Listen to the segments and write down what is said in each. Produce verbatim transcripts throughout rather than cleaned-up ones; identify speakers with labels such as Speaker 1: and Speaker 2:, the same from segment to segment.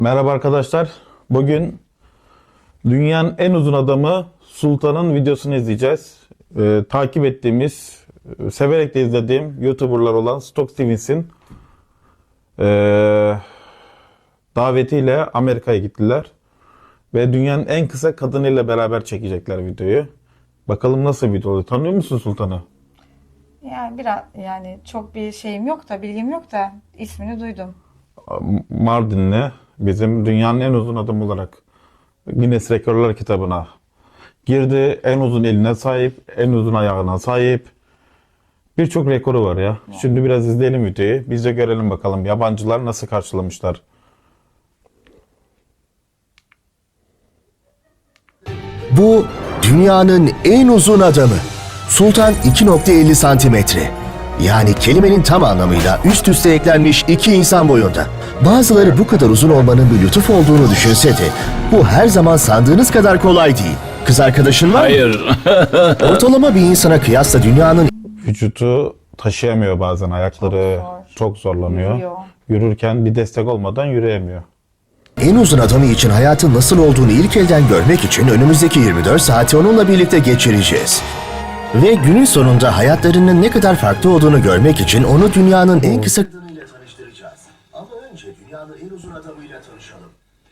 Speaker 1: Merhaba arkadaşlar. Bugün dünyanın en uzun adamı Sultan'ın videosunu izleyeceğiz. Ee, takip ettiğimiz, severek de izlediğim YouTuber'lar olan Stock Stevens'in ee, davetiyle Amerika'ya gittiler. Ve dünyanın en kısa kadınıyla beraber çekecekler videoyu. Bakalım nasıl bir video oluyor. Tanıyor musun Sultan'ı?
Speaker 2: Yani biraz yani çok bir şeyim yok da bilgim yok da ismini duydum.
Speaker 1: Mardinli, bizim dünyanın en uzun adamı olarak Guinness Rekorlar kitabına girdi. En uzun eline sahip, en uzun ayağına sahip. Birçok rekoru var ya. Şimdi biraz izleyelim videoyu. Biz de görelim bakalım yabancılar nasıl karşılamışlar.
Speaker 3: Bu dünyanın en uzun adamı. Sultan iki nokta elli santimetre. Yani kelimenin tam anlamıyla üst üste eklenmiş iki insan boyunda. Bazıları bu kadar uzun olmanın bir lütuf olduğunu düşünse de bu her zaman sandığınız kadar kolay değil. Kız arkadaşın var mı?
Speaker 4: Hayır.
Speaker 3: Ortalama bir insana kıyasla dünyanın
Speaker 1: Vücudu taşıyamıyor bazen. Ayakları
Speaker 2: Çok zor.
Speaker 1: çok zorlanıyor.
Speaker 2: Yürüyor.
Speaker 1: Yürürken bir destek olmadan yürüyemiyor.
Speaker 3: en uzun adamı için hayatın nasıl olduğunu ilk elden görmek için önümüzdeki yirmi dört saati onunla birlikte geçireceğiz. Ve günün sonunda hayatlarının ne kadar farklı olduğunu görmek için onu dünyanın en kısa kadınıyla tanıştıracağız. Ama önce dünyanın en uzun adamıyla tanışalım.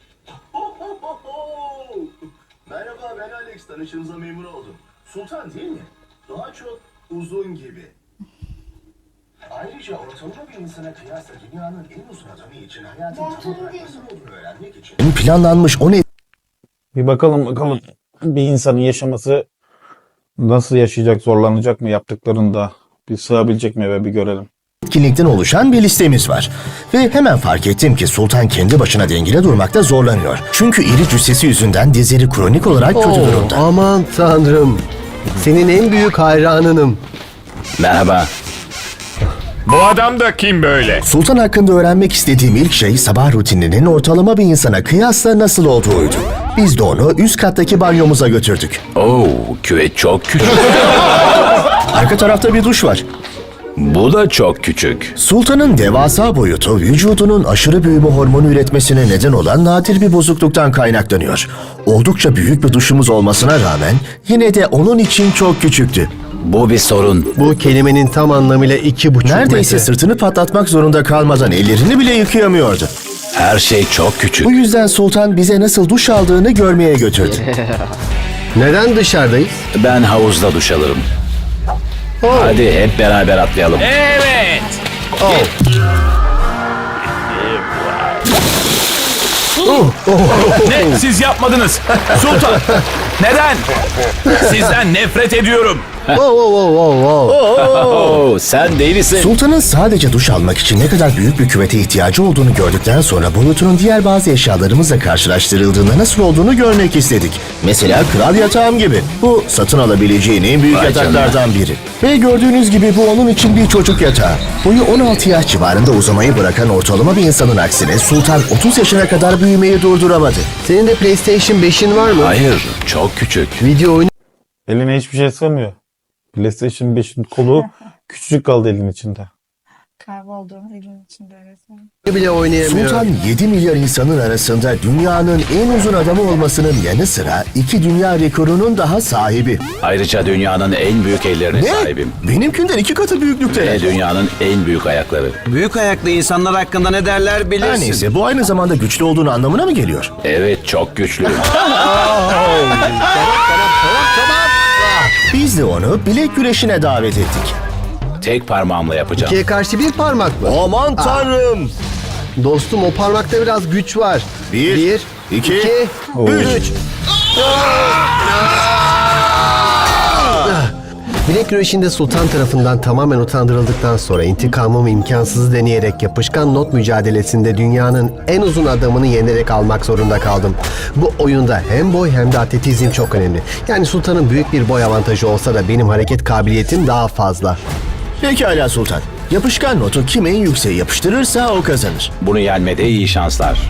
Speaker 3: Merhaba, ben Alex. Tanıştığımıza memnun oldum. Sultan değil mi? Daha çok uzun gibi. Ayrıca ortalama bir insana kıyasla dünyanın en uzun adamı için hayatın tam olarak nasıl olduğunu öğrenmek için planlanmış on
Speaker 1: Bir bakalım bakalım bir insanın yaşaması nasıl yaşayacak, zorlanacak mı yaptıklarında, bir sığabilecek mi eve bir görelim.
Speaker 3: etkinlikten oluşan bir listemiz var. Ve hemen fark ettim ki Sultan kendi başına dengede durmakta zorlanıyor. Çünkü iri cüssesi yüzünden dizleri kronik olarak kötü
Speaker 5: Oo,
Speaker 3: durumda.
Speaker 5: aman tanrım. Senin en büyük hayranınım.
Speaker 4: Merhaba.
Speaker 6: Bu adam da kim böyle?
Speaker 3: Sultan hakkında öğrenmek istediğim ilk şey sabah rutininin ortalama bir insana kıyasla nasıl olduğuydu. Biz de onu üst kattaki banyomuza götürdük.
Speaker 4: Oo, küvet çok küçük.
Speaker 3: Arka tarafta bir duş var.
Speaker 4: Bu da çok küçük.
Speaker 3: Sultan'ın devasa boyutu vücudunun aşırı büyüme hormonu üretmesine neden olan nadir bir bozukluktan kaynaklanıyor. Oldukça büyük bir duşumuz olmasına rağmen yine de onun için çok küçüktü.
Speaker 4: Bu bir sorun.
Speaker 5: Bu kelimenin tam anlamıyla iki buçuk
Speaker 3: Neredeyse
Speaker 5: metre.
Speaker 3: sırtını patlatmak zorunda kalmadan ellerini bile yıkayamıyordu.
Speaker 4: Her şey çok küçük.
Speaker 3: Bu yüzden Sultan bize nasıl duş aldığını görmeye götürdü.
Speaker 5: Neden dışarıdayız?
Speaker 4: Ben havuzda duş alırım. Hadi hep beraber atlayalım. Evet.
Speaker 6: Ne? Siz yapmadınız. Sultan. Neden? Sizden nefret ediyorum.
Speaker 5: Oh, oh, oh, oh, oh.
Speaker 4: Oo, sen delisin.
Speaker 3: Sultan'ın sadece duş almak için ne kadar büyük bir küvete ihtiyacı olduğunu gördükten sonra boyutunun diğer bazı eşyalarımızla karşılaştırıldığında nasıl olduğunu görmek istedik. Mesela kral yatağım gibi. Bu satın alabileceğin en büyük
Speaker 4: Vay
Speaker 3: yataklardan biri. Ve gördüğünüz gibi bu onun için bir çocuk yatağı. Boyu on altı yaş civarında uzamayı bırakan ortalama bir insanın aksine Sultan otuz yaşına kadar büyümeyi durduramadı.
Speaker 5: Senin de PlayStation beşin var mı?
Speaker 4: Hayır, çok küçük.
Speaker 5: Video oyunu
Speaker 1: Eline hiçbir şey sığmıyor. PlayStation beşin kolu küçücük kaldı elin içinde.
Speaker 2: Kaybolduğumuz ilin içinde resmen.
Speaker 5: bile oynayamıyorum.
Speaker 3: Sultan yedi milyar insanın arasında dünyanın en uzun adamı olmasının yanı sıra iki dünya rekorunun daha sahibi.
Speaker 4: Ayrıca dünyanın en büyük ellerine sahibim.
Speaker 3: Benimkinden iki katı büyüklükte.
Speaker 4: Ve dünyanın en büyük ayakları.
Speaker 7: Büyük ayaklı insanlar hakkında ne derler
Speaker 3: Her
Speaker 7: bilirsin.
Speaker 3: neyse bu aynı zamanda güçlü olduğunu anlamına mı geliyor?
Speaker 4: Evet, çok güçlü.
Speaker 3: Biz de onu bilek güreşine davet ettik.
Speaker 4: Tek parmağımla yapacağım.
Speaker 5: İkiye karşı bir parmak mı?
Speaker 3: Aman tanrım!
Speaker 5: Dostum o parmakta biraz güç var.
Speaker 3: Bir,
Speaker 5: bir
Speaker 3: iki,
Speaker 5: üç. Bilek güreşinde Sultan tarafından tamamen utandırıldıktan sonra intikamımı imkansızı deneyerek yapışkan not mücadelesinde dünyanın en uzun adamını yenerek almak zorunda kaldım. Bu oyunda hem boy hem de atletizm çok önemli. Yani Sultan'ın büyük bir boy avantajı olsa da benim hareket kabiliyetim daha fazla.
Speaker 3: Pekala Sultan. Yapışkan notu kim en yükseğe yapıştırırsa o kazanır.
Speaker 4: Bunu yenmede iyi şanslar.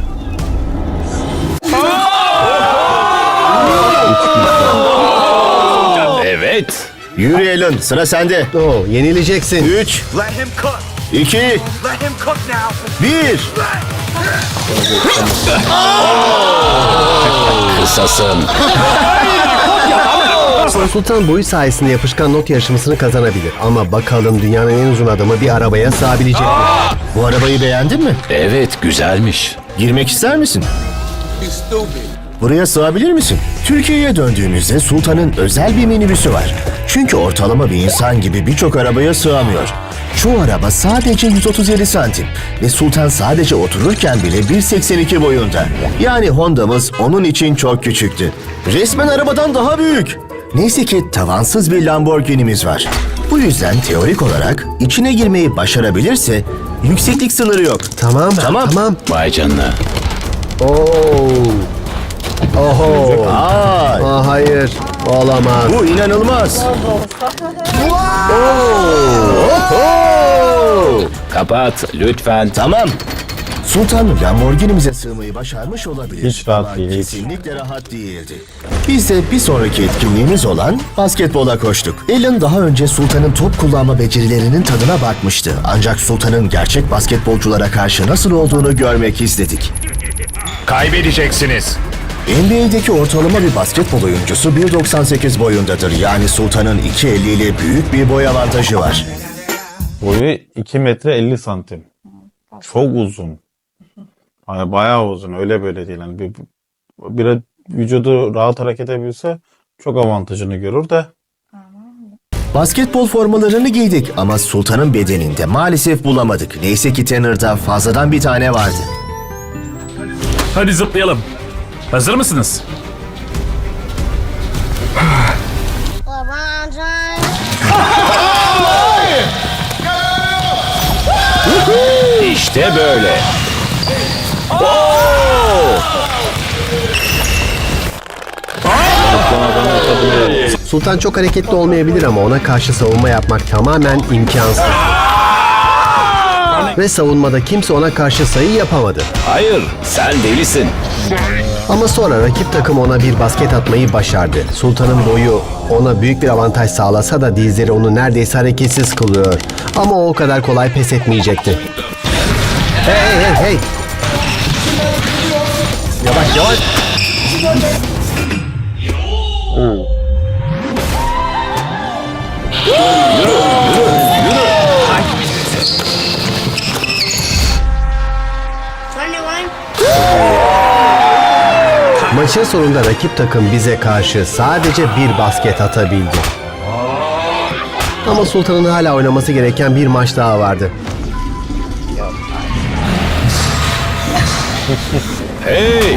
Speaker 4: Evet.
Speaker 3: Yürü Alan, sıra sende.
Speaker 5: Oo, yenileceksin.
Speaker 3: Üç,
Speaker 6: Let him cook.
Speaker 3: iki, bir.
Speaker 4: Kısasın.
Speaker 5: Sultan boyu sayesinde yapışkan not yarışmasını kazanabilir. Ama bakalım dünyanın en uzun adamı bir arabaya sığabilecek mi?
Speaker 3: Bu arabayı beğendin mi?
Speaker 4: Evet, güzelmiş.
Speaker 3: Girmek ister misin? Buraya sığabilir misin? Türkiye'ye döndüğümüzde Sultan'ın özel bir minibüsü var. Çünkü ortalama bir insan gibi birçok arabaya sığamıyor. Çoğu araba sadece yüz otuz yedi santim ve Sultan sadece otururken bile bir seksen iki boyunda. Yani Honda'mız onun için çok küçüktü. Resmen arabadan daha büyük. Neyse ki tavansız bir Lamborghini'miz var. Bu yüzden teorik olarak içine girmeyi başarabilirse yükseklik sınırı yok.
Speaker 5: Tamam,
Speaker 3: Tamam.
Speaker 5: tamam.
Speaker 4: Vay canına.
Speaker 5: Oo. Oho.
Speaker 3: Ay,
Speaker 5: Aa, hayır, olamaz.
Speaker 3: bu inanılmaz.
Speaker 4: Kapat lütfen.
Speaker 3: Tamam. Sultan Lamborghini'mize sığmayı başarmış olabilir.
Speaker 1: Hiç rahat
Speaker 3: Ama
Speaker 1: değil, hiç.
Speaker 3: Kesinlikle rahat değildi. Biz de bir sonraki etkinliğimiz olan basketbola koştuk. Alan daha önce Sultan'ın top kullanma becerilerinin tadına bakmıştı. Ancak Sultan'ın gerçek basketbolculara karşı nasıl olduğunu görmek istedik.
Speaker 8: Kaybedeceksiniz.
Speaker 3: N B A'deki ortalama bir basketbol oyuncusu bir doksan sekiz boyundadır. Yani Sultan'ın iki elli ile büyük bir boy avantajı var.
Speaker 1: Boyu iki metre elli santim. Çok uzun. Yani bayağı uzun. Öyle böyle değil. Yani bir, bir vücudu rahat hareket edebilse çok avantajını görür de.
Speaker 3: Basketbol formalarını giydik ama Sultan'ın bedeninde maalesef bulamadık. Neyse ki Tanner'da fazladan bir tane vardı.
Speaker 6: Hadi zıplayalım. Hazır mısınız?
Speaker 9: LeBron James.
Speaker 4: İşte böyle.
Speaker 5: Sultan çok hareketli olmayabilir ama ona karşı savunma yapmak tamamen imkansız. Ve savunmada kimse ona karşı sayı yapamadı.
Speaker 4: Hayır, sen delisin.
Speaker 5: Ama sonra rakip takım ona bir basket atmayı başardı. Sultan'ın boyu ona büyük bir avantaj sağlasa da dizleri onu neredeyse hareketsiz kılıyor. Ama o o kadar kolay pes etmeyecekti. Hey hey hey hey! Yavaş yavaş!
Speaker 9: twenty-one.
Speaker 5: Maçın sonunda rakip takım bize karşı sadece bir basket atabildi. Ama Sultan'ın hala oynaması gereken bir maç daha vardı.
Speaker 4: Hey,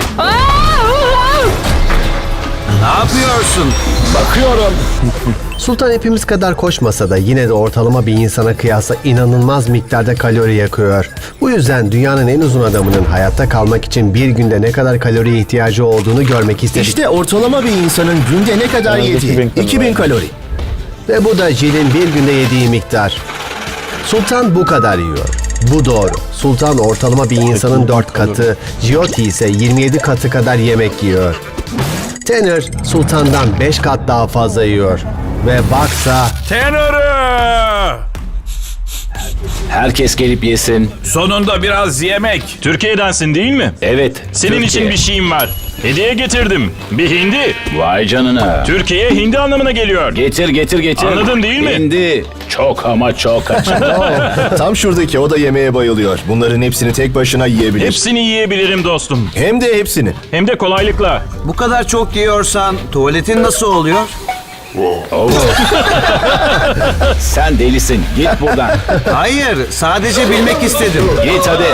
Speaker 7: Ne yapıyorsun?
Speaker 4: bakıyorum.
Speaker 5: Sultan hepimiz kadar koşmasa da yine de ortalama bir insana kıyasla inanılmaz miktarda kalori yakıyor. Bu yüzden dünyanın en uzun adamının hayatta kalmak için bir günde ne kadar kaloriye ihtiyacı olduğunu görmek istedik.
Speaker 3: İşte ortalama bir insanın günde ne kadar
Speaker 1: En az
Speaker 3: yediği.
Speaker 1: iki bin kalori.
Speaker 3: iki bin kalori.
Speaker 5: Ve bu da Jill'in bir günde yediği miktar. Sultan bu kadar yiyor. Bu doğru. Sultan ortalama bir insanın dört katı, Jyoti ise yirmi yedi katı kadar yemek yiyor. Tanner, Sultan'dan beş kat daha fazla yiyor. Ve baksa
Speaker 6: Tanner'ı!
Speaker 4: Herkes gelip yesin.
Speaker 6: Sonunda biraz yemek.
Speaker 8: Türkiye'densin değil mi?
Speaker 4: Evet.
Speaker 8: Senin
Speaker 4: Türkiye.
Speaker 8: için bir şeyim var. Hediye getirdim. Bir hindi.
Speaker 4: Vay canına.
Speaker 8: Türkiye hindi anlamına geliyor.
Speaker 4: Getir getir getir.
Speaker 8: Anladın değil mi?
Speaker 4: Hindi. Çok ama çok açım.
Speaker 3: Tam şuradaki o da yemeğe bayılıyor. Bunların hepsini tek başına yiyebilir.
Speaker 8: Hepsini yiyebilirim dostum.
Speaker 3: Hem de hepsini.
Speaker 8: Hem de kolaylıkla.
Speaker 7: Bu kadar çok yiyorsan tuvaletin nasıl oluyor?
Speaker 4: Oo. Sen delisin. Git buradan.
Speaker 7: Hayır, sadece bilmek istedim.
Speaker 4: Git hadi.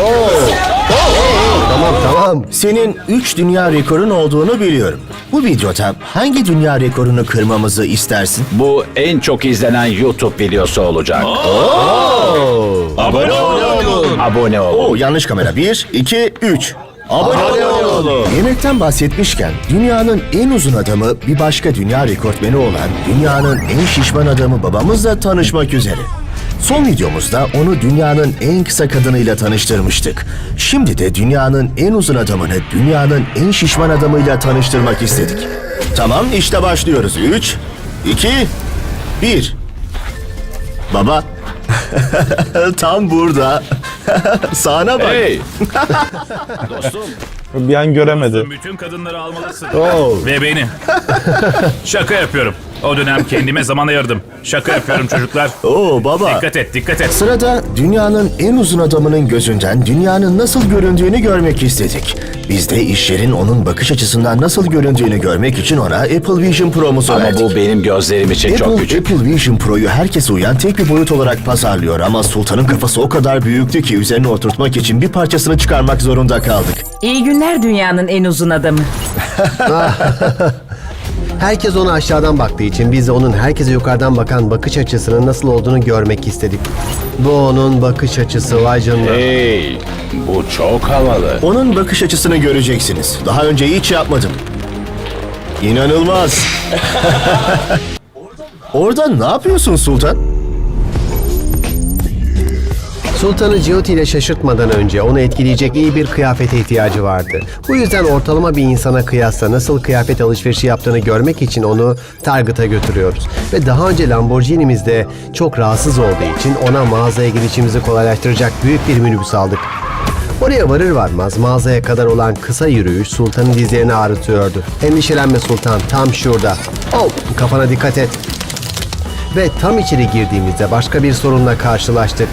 Speaker 5: tamam tamam.
Speaker 3: Senin üç dünya rekorun olduğunu biliyorum. Bu videoda hangi dünya rekorunu kırmamızı istersin?
Speaker 4: Bu en çok izlenen YouTube videosu olacak.
Speaker 8: Abone olun.
Speaker 4: Abone
Speaker 3: Oo,
Speaker 4: olun.
Speaker 3: yanlış kamera. Bir, iki, üç. Abone olun. Yemekten bahsetmişken dünyanın en uzun adamı bir başka dünya rekortmeni olan dünyanın en şişman adamı babamızla tanışmak üzere. Son videomuzda onu dünyanın en kısa kadınıyla tanıştırmıştık. Şimdi de dünyanın en uzun adamını dünyanın en şişman adamıyla tanıştırmak istedik. Tamam, işte başlıyoruz. Üç, iki, bir. Baba. Tam burada. Sağına bak.
Speaker 4: Hey! Dostum.
Speaker 1: Bir an göremedi.
Speaker 6: Bütün kadınları almalısın.
Speaker 5: Oo.
Speaker 6: Ve beni. Şaka yapıyorum. O dönem kendime zaman ayırdım. Şaka yapıyorum çocuklar.
Speaker 3: Oo baba.
Speaker 6: Dikkat et, dikkat et.
Speaker 3: Sırada dünyanın en uzun adamının gözünden dünyanın nasıl göründüğünü görmek istedik. Biz de işlerin onun bakış açısından nasıl göründüğünü görmek için ona Apple Vision Pro'muzu
Speaker 4: Ama
Speaker 3: verdik.
Speaker 4: bu benim gözlerim için çok
Speaker 3: Apple,
Speaker 4: küçük.
Speaker 3: Apple Vision Pro'yu herkese uyan tek bir boyut olarak pazarlıyor ama Sultan'ın kafası o kadar büyüktü ki üzerine oturtmak için bir parçasını çıkarmak zorunda kaldık.
Speaker 9: İyi günler dünyanın en uzun adamı.
Speaker 5: Herkes ona aşağıdan baktığı için biz de onun herkese yukarıdan bakan bakış açısının nasıl olduğunu görmek istedik. Bu onun bakış açısı, vay canına.
Speaker 4: Hey! Bu çok havalı.
Speaker 3: Onun bakış açısını göreceksiniz. Daha önce hiç yapmadım. İnanılmaz. Orada ne yapıyorsun Sultan?
Speaker 5: Sultan'ı Jyoti ile şaşırtmadan önce onu etkileyecek iyi bir kıyafete ihtiyacı vardı. Bu yüzden ortalama bir insana kıyasla nasıl kıyafet alışverişi yaptığını görmek için onu Target'a götürüyoruz. Ve daha önce Lamborghini'mizde çok rahatsız olduğu için ona mağazaya gidişimizi kolaylaştıracak büyük bir minibüs aldık. Oraya varır varmaz mağazaya kadar olan kısa yürüyüş Sultan'ın dizlerini ağrıtıyordu. Endişelenme Sultan, tam şurada. Oh, kafana dikkat et. Ve tam içeri girdiğimizde başka bir sorunla karşılaştık.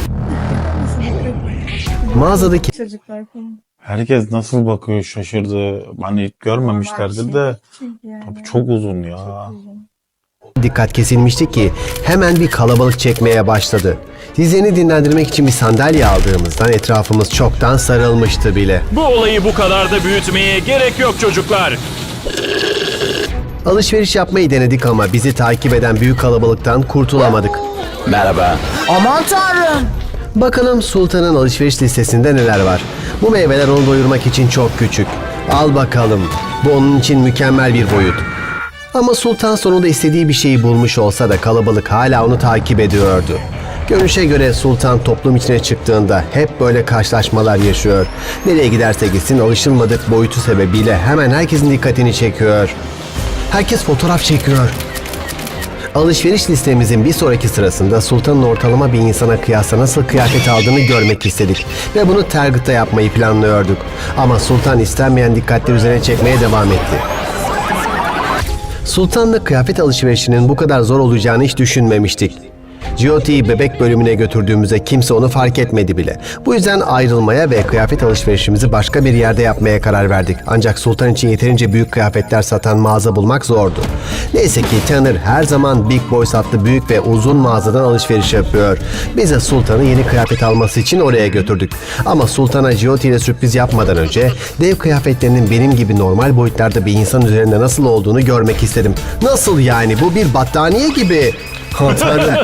Speaker 5: Mağazadaki
Speaker 2: Çocuklar falan.
Speaker 1: Herkes nasıl bakıyor şaşırdı. Hani görmemişlerdi de. Abi çok uzun ya.
Speaker 5: dikkat kesilmişti ki hemen bir kalabalık çekmeye başladı. Dizlerini dinlendirmek için bir sandalye aldığımızdan etrafımız çoktan sarılmıştı bile.
Speaker 8: Bu olayı bu kadar da büyütmeye gerek yok çocuklar.
Speaker 5: Alışveriş yapmayı denedik ama bizi takip eden büyük kalabalıktan kurtulamadık.
Speaker 4: Merhaba.
Speaker 9: Aman tanrım.
Speaker 5: Bakalım Sultan'ın alışveriş listesinde neler var. Bu meyveler onu doyurmak için çok küçük. Al bakalım. Bu onun için mükemmel bir boyut. Ama Sultan sonunda istediği bir şeyi bulmuş olsa da kalabalık hala onu takip ediyordu. Görünüşe göre Sultan toplum içine çıktığında hep böyle karşılaşmalar yaşıyor. Nereye giderse gitsin alışılmadık boyutu sebebiyle hemen herkesin dikkatini çekiyor. Herkes fotoğraf çekiyor. Alışveriş listemizin bir sonraki sırasında Sultan'ın ortalama bir insana kıyasla nasıl kıyafet aldığını görmek istedik. Ve bunu Target'ta yapmayı planlıyorduk. Ama Sultan istenmeyen dikkatleri üzerine çekmeye devam etti. Sultan'la kıyafet alışverişinin bu kadar zor olacağını hiç düşünmemiştik. Jyoti'yi bebek bölümüne götürdüğümüzde kimse onu fark etmedi bile. Bu yüzden ayrılmaya ve kıyafet alışverişimizi başka bir yerde yapmaya karar verdik. Ancak Sultan için yeterince büyük kıyafetler satan mağaza bulmak zordu. Neyse ki Tanner her zaman Big Boys adlı büyük ve uzun mağazadan alışveriş yapıyor. Biz de Sultan'ı yeni kıyafet alması için oraya götürdük. Ama Sultan'a Jyoti ile sürpriz yapmadan önce dev kıyafetlerinin benim gibi normal boyutlarda bir insan üzerinde nasıl olduğunu görmek istedim. Nasıl yani? Bu bir battaniye gibi. Tanrım.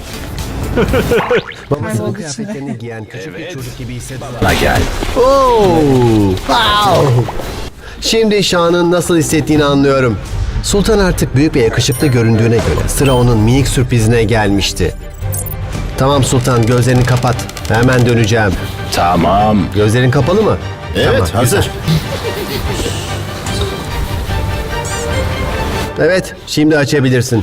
Speaker 5: Babasının kıyafetlerini giyen küçük bir çocuk gibi hissediyor.
Speaker 4: Bana gel.
Speaker 5: Oh, wow. Şimdi Şah'ın nasıl hissettiğini anlıyorum. Sultan artık büyük ve yakışıklı göründüğüne göre sıra onun minik sürprizine gelmişti. Tamam Sultan, gözlerini kapat. Hemen döneceğim.
Speaker 4: Tamam.
Speaker 5: Gözlerin kapalı mı?
Speaker 3: Evet,
Speaker 5: Tamam,
Speaker 3: hazır.
Speaker 5: güzel. Evet, şimdi açabilirsin.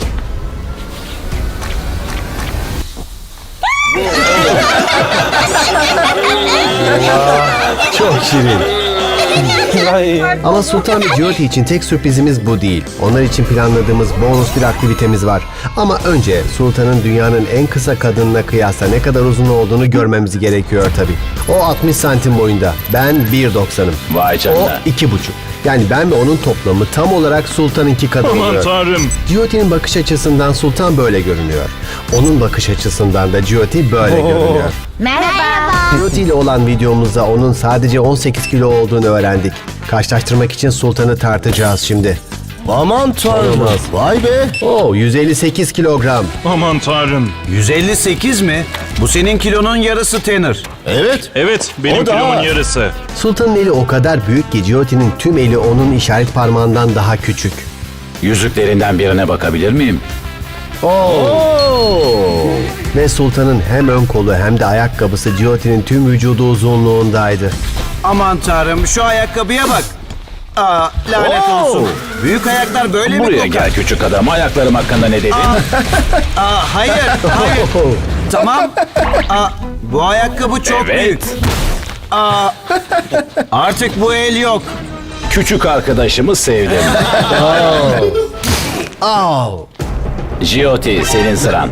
Speaker 5: Çok şirin. Ama Sultan ve Jyoti için tek sürprizimiz bu değil. Onlar için planladığımız bonus bir aktivitemiz var. Ama önce Sultan'ın dünyanın en kısa kadınına kıyasla ne kadar uzun olduğunu görmemiz gerekiyor tabii. O altmış santim boyunda. Ben bir doksanım.
Speaker 4: Vay
Speaker 5: O
Speaker 4: canına.
Speaker 5: iki buçuk. Yani ben ve onun toplamı tam olarak Sultan'ınki kadar
Speaker 8: Aman
Speaker 5: oluyor.
Speaker 8: tanrım.
Speaker 5: Jyoti'nin bakış açısından Sultan böyle görünüyor. Onun bakış açısından da Jyoti böyle görünüyor.
Speaker 9: Merhaba.
Speaker 5: Jyoti ile olan videomuzda onun sadece on sekiz kilo olduğunu öğrendik. Karşılaştırmak için Sultan'ı tartacağız şimdi.
Speaker 3: Aman tanrım.
Speaker 5: Olmaz.
Speaker 3: Vay be.
Speaker 5: Oo, yüz elli sekiz kilogram.
Speaker 8: Aman tanrım.
Speaker 7: yüz elli sekiz mi? Bu senin kilonun yarısı Tanner.
Speaker 3: Evet.
Speaker 8: Evet, benim
Speaker 3: O da-
Speaker 8: kilomun yarısı.
Speaker 5: Sultan'ın eli o kadar büyük ki Jyoti'nin tüm eli onun işaret parmağından daha küçük.
Speaker 4: Yüzüklerinden birine bakabilir miyim?
Speaker 5: Ve Sultan'ın hem ön kolu hem de ayakkabısı Jyoti'nin tüm vücudu uzunluğundaydı.
Speaker 7: Aman tanrım, şu ayakkabıya bak. Aa, lanet
Speaker 4: Oo!
Speaker 7: olsun. Büyük ayaklar böyle mi
Speaker 4: Buraya
Speaker 7: kokar?
Speaker 4: gel küçük adam. Ayaklarım hakkında ne dedin?
Speaker 7: Aa, hayır, hayır. Tamam. Aa, bu ayakkabı çok
Speaker 4: Evet.
Speaker 7: büyük. Aa, artık bu el yok.
Speaker 4: Küçük arkadaşımı sevdim.
Speaker 5: Au!
Speaker 4: Jyoti, senin sıran.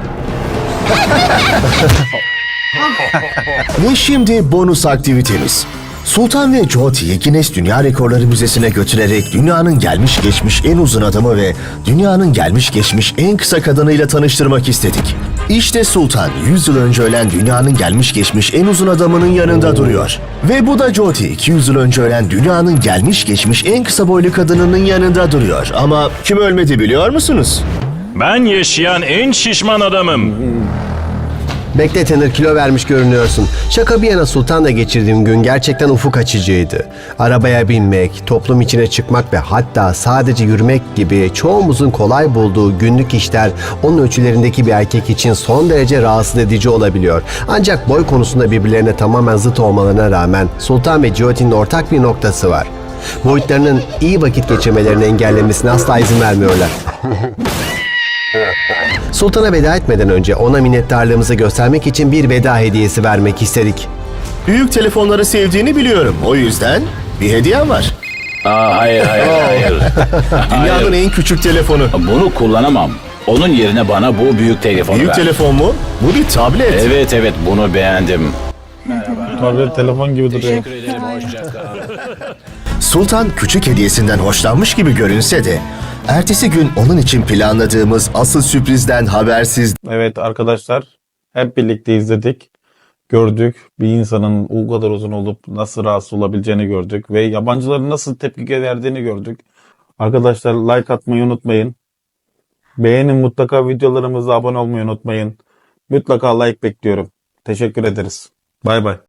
Speaker 3: Ve şimdi bonus aktivitemiz. Sultan ve Jyoti'yi Guinness Dünya Rekorları Müzesi'ne götürerek dünyanın gelmiş geçmiş en uzun adamı ve dünyanın gelmiş geçmiş en kısa kadınıyla tanıştırmak istedik. İşte Sultan yüz yıl önce ölen dünyanın gelmiş geçmiş en uzun adamının yanında duruyor. Ve bu da Jyoti iki yüz yıl önce ölen dünyanın gelmiş geçmiş en kısa boylu kadınının yanında duruyor. Ama kim ölmedi biliyor musunuz?
Speaker 8: Ben yaşayan en şişman adamım.
Speaker 5: Bekle Tanner, kilo vermiş görünüyorsun. Şaka bir yana Sultan'la geçirdiğim gün gerçekten ufuk açıcıydı. Arabaya binmek, toplum içine çıkmak ve hatta sadece yürümek gibi çoğumuzun kolay bulduğu günlük işler onun ölçülerindeki bir erkek için son derece rahatsız edici olabiliyor. Ancak boy konusunda birbirlerine tamamen zıt olmalarına rağmen Sultan ve Jyoti'nin ortak bir noktası var. Boyutlarının iyi vakit geçirmelerini engellemesine asla izin vermiyorlar. Sultan'a veda etmeden önce ona minnettarlığımızı göstermek için bir veda hediyesi vermek istedik.
Speaker 3: Büyük telefonları sevdiğini biliyorum. O yüzden bir hediyem var.
Speaker 4: Aa, hayır, hayır, hayır.
Speaker 3: Dünyanın
Speaker 4: Hayır.
Speaker 3: en küçük telefonu.
Speaker 4: Bunu kullanamam. Onun yerine bana bu büyük telefonu
Speaker 3: Büyük
Speaker 4: ver.
Speaker 3: telefon mu? Bu bir tablet.
Speaker 4: Evet, evet, bunu beğendim.
Speaker 1: Tabii telefon gibi duruyor.
Speaker 4: Teşekkür ederim, hoşça kal.
Speaker 3: Sultan küçük hediyesinden hoşlanmış gibi görünse de ertesi gün onun için planladığımız asıl sürprizden habersiz.
Speaker 1: Evet arkadaşlar, hep birlikte izledik. Gördük. Bir insanın o kadar uzun olup nasıl rahatsız olabileceğini gördük. Ve yabancıların nasıl tepki verdiğini gördük. Arkadaşlar like atmayı unutmayın. Beğenin, mutlaka videolarımıza abone olmayı unutmayın. Mutlaka like bekliyorum. Teşekkür ederiz. Bay bay.